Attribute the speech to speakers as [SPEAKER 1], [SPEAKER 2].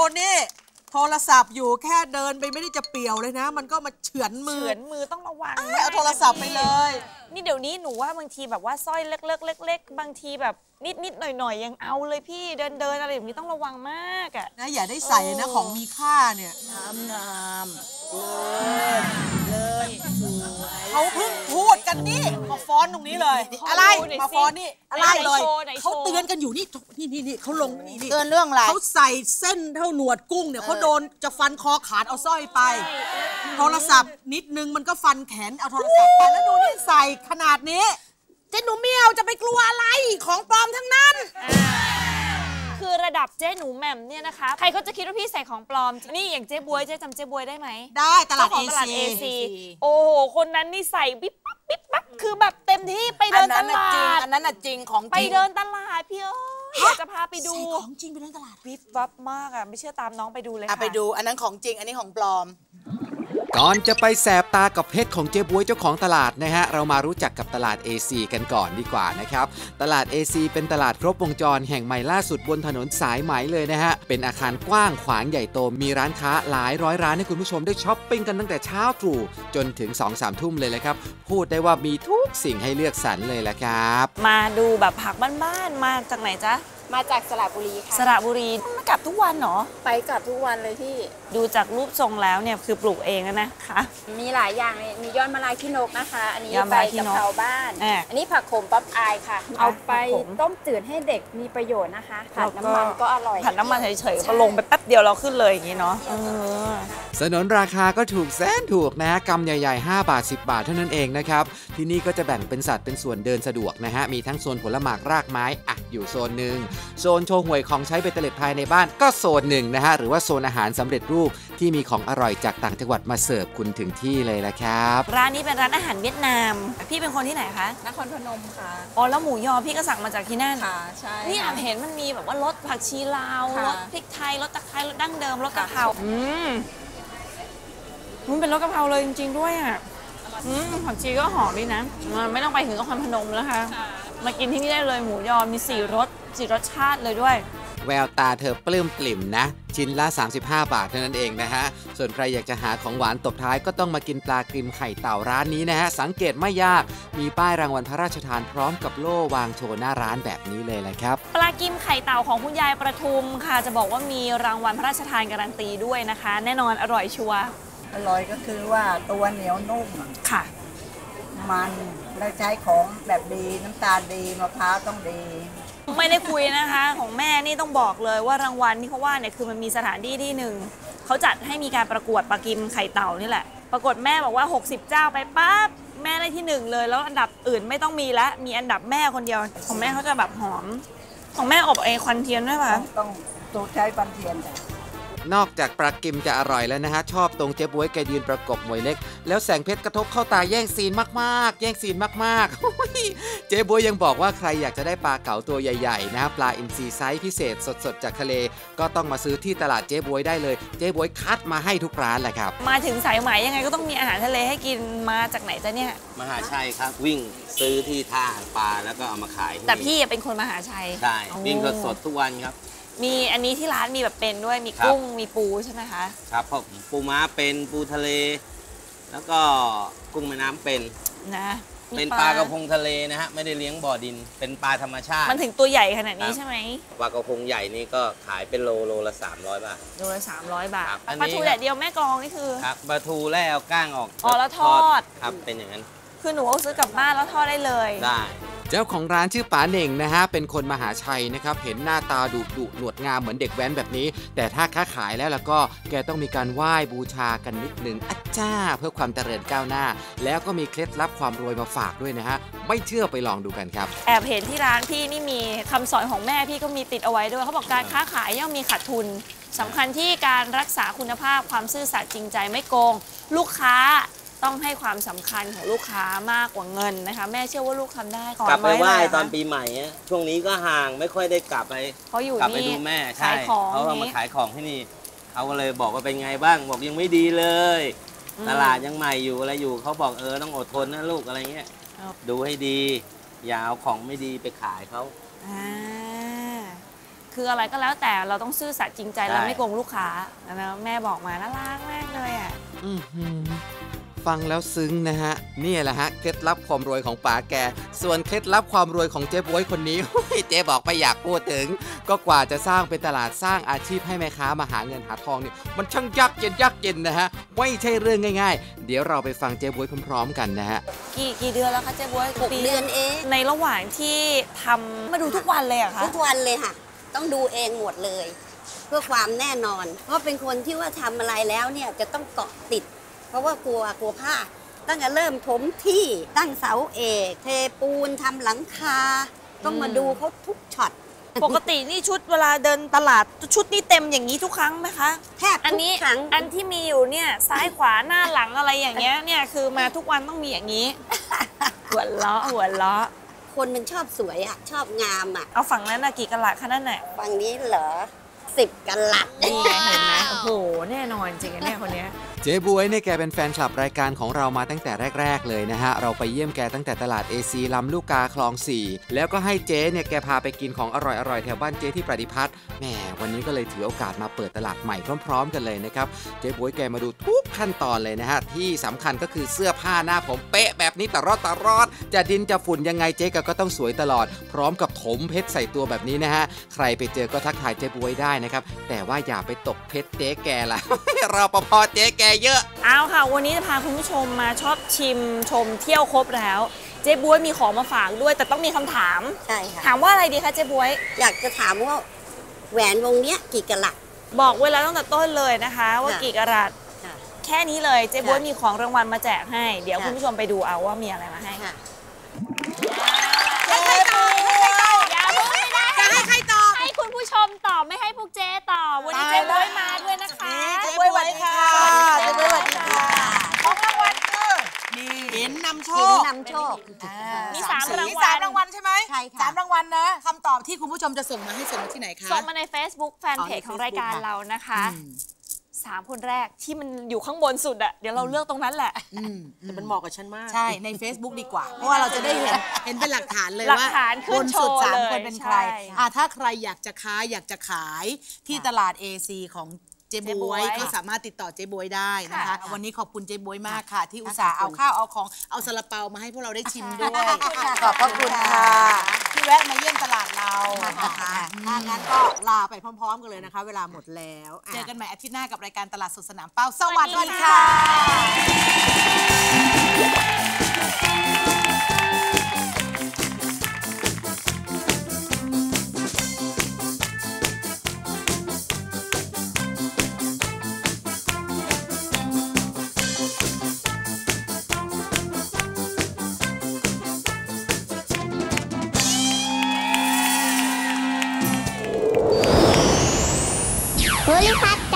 [SPEAKER 1] นี่โทรศัพท์อยู่แค่เดินไปไม่ได้จะเปี่ยวเลยนะมันก็มาเฉือนมือ
[SPEAKER 2] ต้องระวัง
[SPEAKER 1] เอาโทรศัพท์ไปเลย
[SPEAKER 2] นี่เดี๋ยวนี้หนูว่าบางทีแบบว่าสร้อยเล็กๆบางทีแบบนิดหน่อยยังเอาเลยพี่เดินอะไรแบบนี้ต้องระวังมากอ่ะ
[SPEAKER 1] นะอย่าได้ใส่นะของมีค่าเนี่ย
[SPEAKER 3] งามเลยสวย
[SPEAKER 1] เขาเพิ่งพูดกันนี่มาฟ้อนตรงนี้เลยอะไรมาฟ้อนนี่อะไรเลยเขาเตือนกันอยู่นี่เขาลงนี่
[SPEAKER 3] เตือนเรื่องอะไร
[SPEAKER 1] เขาใส่เส้นเท่าหนวดกุ้งเนี่ยเขาโดนจะฟันคอขาดเอาสร้อยไปโทรศัพท์นิดนึงมันก็ฟันแขนเอาโทรศัพท์ไปแล้วดูนี่ใส่ขนาดนี้เจ๊หนูเมียวจะไปกลัวอะไรของปลอมทั้งนั้น
[SPEAKER 2] คือระดับเจ๊หนูแหม่มเนี่ยนะคะใครเขาจะคิดว่าพี่ใส่ของปลอมนี่อย่างเจ๊บวยเจ๊จำเจ๊บวยได้ไหม
[SPEAKER 1] ได้ตลาด
[SPEAKER 2] AC โอ้โหคนนั้นนี่ใส่ปิ๊บปั๊บคือแบบเต็มที่ไปเดินตลาด
[SPEAKER 3] อันนั้นจริงของ
[SPEAKER 2] ไปเดินตลาดพี่จะพาไปดู
[SPEAKER 1] ของจริงไปเดินตลาด
[SPEAKER 2] วิบวับมากอ่ะไม่เชื่อตามน้องไปดูเลยค่ะ
[SPEAKER 3] ไปดูอันนั้นของจริงอันนี้ของปลอม
[SPEAKER 4] ก่อนจะไปแสบตากับเพชรของเจ๊บ๊วยเจ้าของตลาดนะฮะเรามารู้จักกับตลาด AC กันก่อนดีกว่านะครับตลาด AC เป็นตลาดครบวงจรแห่งใหม่ล่าสุดบนถนนสายไหมเลยนะฮะเป็นอาคารกว้างขวางใหญ่โตมีร้านค้าหลายร้อยร้านให้คุณผู้ชมได้ช้อปปิ้งกันตั้งแต่เช้าตรู่จนถึง 2-3 ทุ่มเลยแหละครับพูดได้ว่ามีทุกสิ่งให้เลือกสรรเลยแหละครับ
[SPEAKER 2] มาดูแบบผักบ้านๆมาจากไหนจ๊ะ
[SPEAKER 5] มาจากสระบุรีค่ะ
[SPEAKER 2] สระบุรีมากลับทุกวันเหรอ
[SPEAKER 5] ไปกลับทุกวันเลยพี่
[SPEAKER 2] ดูจากรูปทรงแล้วเนี่ยคือปลูกเองนะคะ
[SPEAKER 5] มีหลายอย่างเลยมียอดมะลายขี้นกนะคะอันนี้ใบกะเพราบ้านอันนี้ผักโขมป๊อปอายค่ะเอาไปต้มจืดให้เด็กมีประโยชน์นะคะผัดน้ำมันก็อร่อย
[SPEAKER 2] ผัดน้ำมันเฉยๆก็ลงไปแป๊บเดียวเราขึ้นเลยอย่างนี้เนาะ
[SPEAKER 4] สนนราคาก็ถูกแสนถูกนะฮะกำใหญ่ๆ5 บาท 10 บาทเท่านั้นเองนะครับที่นี่ก็จะแบ่งเป็นสัดเป็นส่วนเดินสะดวกนะฮะมีทั้งโซนผลหมากรากไม้อยู่โซนหนึ่งโซนโชว์หวยของใช้เบตเตอร์เล็ดภายในบ้านก็โซนหนึ่งนะฮะหรือว่าโซนอาหารสำเร็จรูปที่มีของอร่อยจากต่างจังหวัดมาเสิร์ฟคุณถึงที่เลยละครับ
[SPEAKER 2] ร้านนี้เป็นร้านอาหารเวียดนามพี่เป็นคนที่ไหนคะ
[SPEAKER 5] นครพนมค่ะ
[SPEAKER 2] อ๋อแล้วหมูยอพี่ก็สั่งมาจากที่นั่น
[SPEAKER 5] ค่ะใช่
[SPEAKER 2] นี่เห็นมันมีแบบว่ารสผักชีลาวรสพริกไทยรสตะไคร้รสดั้งเดิมรสกะเพรามันเป็นรสกะเพราเลยจริงๆด้วยอ่ะผักชีก็หอมดีนะไม่ต้องไปถึงนครพนมแล้วค่ะมากินที่นี่ได้เลยหมูยอมี4 รสชาติเลยด้วย
[SPEAKER 4] แววตาเธอปลื้มปลิ่มนะชิ้นละ35 บาทเท่านั้นเองนะฮะส่วนใครอยากจะหาของหวานตบท้ายก็ต้องมากินปลากริมไข่เต่าร้านนี้นะฮะสังเกตไม่ยากมีป้ายรางวัลพระราชทานพร้อมกับโล่วางโชว์หน้าร้านแบบนี้เลยแหละครับ
[SPEAKER 2] ปลากริมไข่เต่าของคุณยายประทุมค่ะจะบอกว่ามีรางวัลพระราชทานการันตีด้วยนะคะแน่นอนอร่อยชัวร์
[SPEAKER 3] อร่อยก็คือว่าตัวเหนียวนุ่ม
[SPEAKER 2] ค่ะ
[SPEAKER 3] มันแล้วใช้ของแบบดีน้ำตาลดีมะพร้าวต้องดี
[SPEAKER 2] ไม่ได้คุยนะคะของแม่นี่ต้องบอกเลยว่ารางวัลที่เขาว่าเนี่ยคือมันมีสถานที่ที่หนึ่งเขาจัดให้มีการประกวดปลากิมไข่เต่านี่แหละปรากฏแม่บอกว่า60 เจ้าไปปั๊บแม่ได้ที่1เลยแล้วอันดับอื่นไม่ต้องมีแล้วมีอันดับแม่คนเดียวของแม่เขาจะแบบหอมของแม่อบควันเทียนด้วยป่ะ
[SPEAKER 3] ต้องใช้ควันเทียน
[SPEAKER 4] นอกจากปลากิมจะอร่อยแล้วนะฮะชอบตรงเจ๊บ๊วยแกยืนประกบหมวยเล็กแล้วแสงเพชรกระทบเข้าตาแย่งซีนมากๆแย่งซีนมากๆเจ๊บ๊วยยังบอกว่าใครอยากจะได้ปลาเก๋าตัวใหญ่ๆนะปลาอินทรีไซส์พิเศษสดๆจากทะเลก็ต้องมาซื้อที่ตลาดเจ๊บ๊วยได้เลยเจ๊บ๊วยคัดมาให้ทุกร้านแหละครับ
[SPEAKER 2] มาถึงสายไหมยังไงก็ต้องมีอาหารทะเลให้กินมาจากไหนจ๊ะเนี่ย
[SPEAKER 6] มหาชัยครับวิ่งซื้อที่ท่าปลาแล้วก็เอามาขาย
[SPEAKER 2] แต่พี่เป็นคนมหาชัย
[SPEAKER 6] ใช่วิ่งสดทุกวันครับ
[SPEAKER 2] มีอันนี้ที่ร้านมีแบบเป็นด้วยมีกุ้งมีปูใช่ไหมคะ
[SPEAKER 6] ครับพวกปูม้าเป็นปูทะเลแล้วก็กุ้งแม่น้ำเป็น
[SPEAKER 2] นะ
[SPEAKER 6] เป็นปลากระพงทะเลนะฮะไม่ได้เลี้ยงบ่อดินเป็นปลาธรรมชาติ
[SPEAKER 2] มันถึงตัวใหญ่ขนาดนี้ใช่ไหม
[SPEAKER 6] ปลากระพงใหญ่นี่ก็ขายเป็นโลละ300 บาท
[SPEAKER 2] โลละ300 บาทปลาทูแดดเดียวแม่กลองนี่คือ
[SPEAKER 6] ครับปลาทูแล้วเอาก้างออก
[SPEAKER 2] แล้วทอด
[SPEAKER 6] ครับเป็นอย่างนั้น
[SPEAKER 2] คือหนูเอาซื้อกลับบ้านแล้วทอดได้เลย
[SPEAKER 6] ได้
[SPEAKER 4] เจ้าของร้านชื่อป๋าเหน่งนะฮะเป็นคนมหาชัยนะครับเห็นหน้าตาดุหนวดงามเหมือนเด็กแว้นแบบนี้แต่ถ้าค้าขายแล้วก็แกต้องมีการไหว้บูชากันนิดนึงอัจฉาเพื่อความเจริญก้าวหน้าแล้วก็มีเคล็ดลับความรวยมาฝากด้วยนะฮะไม่เชื่อไปลองดูกันครับ
[SPEAKER 2] แอบเห็นที่ร้านพี่นี่มีคำสอนของแม่พี่ก็มีติดเอาไว้ด้วยเขาบอกการค้าขายย่อมมีขาดทุนสำคัญที่การรักษาคุณภาพความซื่อสัตย์จริงใจไม่โกงลูกค้าต้องให้ความสำคัญของลูกค้ามากกว่าเงินนะคะแม่เชื่อว่าลูกทำได้
[SPEAKER 6] กลับไปไหว้ตอนปีใหม่ช่วงนี้ก็ห่างไม่ค่อยได้กลับไป
[SPEAKER 2] เขาอยู่
[SPEAKER 6] กลับไปดูแม่ใช่เขามาขายของที่นี่เขาก็เลยบอกว่าเป็นไงบ้างบอกยังไม่ดีเลยตลาดยังใหม่อยู่อะไรอยู่เขาบอกต้องอดทนนะลูกอะไรเงี้ยดูให้ดีอย่าเอาของไม่ดีไปขายเขา
[SPEAKER 2] คืออะไรก็แล้วแต่เราต้องซื่อสัตย์จริงใจและไม่โกงลูกค้านะแม่บอกมาน่ารักมากเลยอ่ะ
[SPEAKER 4] ฟังแล้วซึ้งนะฮะนี่แหละฮะเคล็ดลับความรวยของป๋าแกส่วนเคล็ดลับความรวยของเจ๊บ๊วยคนนี้ เจ๊บอกไม่อยากพูดถึงก็กว่าจะสร้างเป็นตลาดสร้างอาชีพให้แม่ค้ามาหาเงินหาทองเนี่ยมันช่างยากเย็นนะฮะไม่ใช่เรื่องง่ายๆเดี๋ยวเราไปฟังเจ๊บ๊วยพร้อมๆกันนะฮะ
[SPEAKER 2] กี่เดือนแล้วคะเจ๊บ๊วย
[SPEAKER 7] 6 เดือนเอง
[SPEAKER 2] ในระหว่างที่ทำมาดูทุกวันเลยอะคะ
[SPEAKER 7] ทุกวันเลยค่ะต้องดูเองหมดเลยเพื่อความแน่นอนเพราะเป็นคนที่ว่าทำอะไรแล้วเนี่ยจะต้องเกาะติดเพราะว่ากลัวพลาดตั้งแต่เริ่มถมที่ตั้งเสาเอกเทปูนทำหลังคาต้องมาดูเขาทุกช็อต
[SPEAKER 2] ปกตินี่ชุดเวลาเดินตลาดชุดนี่เต็มอย่างนี้ทุกครั้งไหมคะ
[SPEAKER 7] แทบทุกครั้ง
[SPEAKER 2] อันที่มีอยู่เนี่ยซ้ายขวาหน้าหลังอะไรอย่างเงี้ยเนี่ยคือมาทุกวันต้องมีอย่างนี้หัวเราะ
[SPEAKER 7] คนมันชอบสวยอ่ะชอบงามอ่ะ
[SPEAKER 2] เอาฝั่งนั้นนะกี่กะลัดคะนั่นน่ะ
[SPEAKER 7] ฝั่งนี้เหรอ10 กะลัด
[SPEAKER 2] นี่เห็นไหมโอ้โหแน่นอนจริงเนี่ยคนนี้
[SPEAKER 4] เจ๊บ๊วยเนี่ยแกเป็นแฟนคลับรายการของเรามาตั้งแต่แรกๆเลยนะฮะเราไปเยี่ยมแกตั้งแต่ตลาด AC ลำลูกกาคลอง 4แล้วก็ให้เจ๊เนี่ยแกพาไปกินของอร่อยๆแถวบ้านเจ๊ที่ประดิพัฒน์แหมวันนี้ก็เลยถือโอกาสมาเปิดตลาดใหม่พร้อมๆกันเลยนะครับเจ๊บ๊วยแกมาดูทุกขั้นตอนเลยนะฮะที่สำคัญก็คือเสื้อผ้าหน้าผมเป๊ะแบบนี้ตลอดจะดินจะฝุ่นยังไงเจ๊ก็ต้องสวยตลอดพร้อมกับถมเพชรใส่ตัวแบบนี้นะฮะใครไปเจอก็ทักทายเจ๊บ๊วยได้นะครับแต่ว่าอย่าไปตกเพชรเจ๊แกล่ะ รปภเจ๊แกเยอะ
[SPEAKER 2] เอาค่ะวันนี้จะพาคุณผู้ชมมาชอบชิมชมเที่ยวครบแล้วเจ๊บ๊วยมีของมาฝากด้วยแต่ต้องมีคำถาม
[SPEAKER 7] ใช่ค่ะ
[SPEAKER 2] ถามว่าอะไรดีคะเจ๊บ๊วย
[SPEAKER 7] อยากจะถามว่าแหวนวงเนี้ยกี่กะรัต
[SPEAKER 2] บอกเวลาตั้งแต่ต้นเลยนะคะว่ากี่กะรัตแค่นี้เลยเจ๊บ๊วยมีของรางวัลมาแจกให้เดี๋ยวคุณผู้ชมไปดูเอาว่ามีอะไรมาให้
[SPEAKER 1] ค่ะให้ใครตอบ
[SPEAKER 2] อย่าพูดไม่ได้
[SPEAKER 1] จะให้ใครตอบ
[SPEAKER 2] ให้คุณผู้ชมตอบไม่ให้พวกเจ๊ตอบวันนี้เจ๊บ๊วยมาด้วยนะคะ
[SPEAKER 1] เจ๊บ๊วยสวัสดีค่ะเจ๊บ๊วยสวัสดีค่ะของรางวัลคือเห็นนำโชค
[SPEAKER 2] มี3 รางวัล
[SPEAKER 1] 3 รางวัลใช่ไหม
[SPEAKER 7] ใช่ค่ะ
[SPEAKER 1] 3 รางวัลนะคำตอบที่คุณผู้ชมจะส่งมาให้ส่งมาที่ไหนคะ
[SPEAKER 2] ส่งมาใน Facebook แฟนเพจของรายการเรานะคะ3 คนแรกที่มันอยู่ข้างบนสุดอะเดี๋ยวเราเลือกตรงนั้นแหละ
[SPEAKER 1] แต่มันเหมาะกับฉันมากใช่ใน Facebook ดีกว่าเพราะว่าเราจะได้เห็นเป็นหลักฐานเลยว่า
[SPEAKER 2] บน
[SPEAKER 1] สุด3 คนเป็นใครถ้าใครอยากจะค้าอยากจะขายที่ตลาด AC ของเจ๊บ๊วยก็สามารถติดต่อเจ๊บ๊วยได้นะคะวันนี้ขอบคุณเจ๊บ๊วยมากค่ะที่อุตส่าห์เอาข้าวเอาของเอาซาลาเปามาให้พวกเราได้ชิมด้วยขอบพระคุณค่ะที่แวะมาเยี่ยมตลาดเรานะคะถ้างั้นก็ลาไปพร้อมๆกันเลยนะคะเวลาหมดแล้วเจอกันใหม่อาทิตย์หน้ากับรายการตลาดสดสนามเป้าสวัสดีค่ะ
[SPEAKER 7] โพลิพัท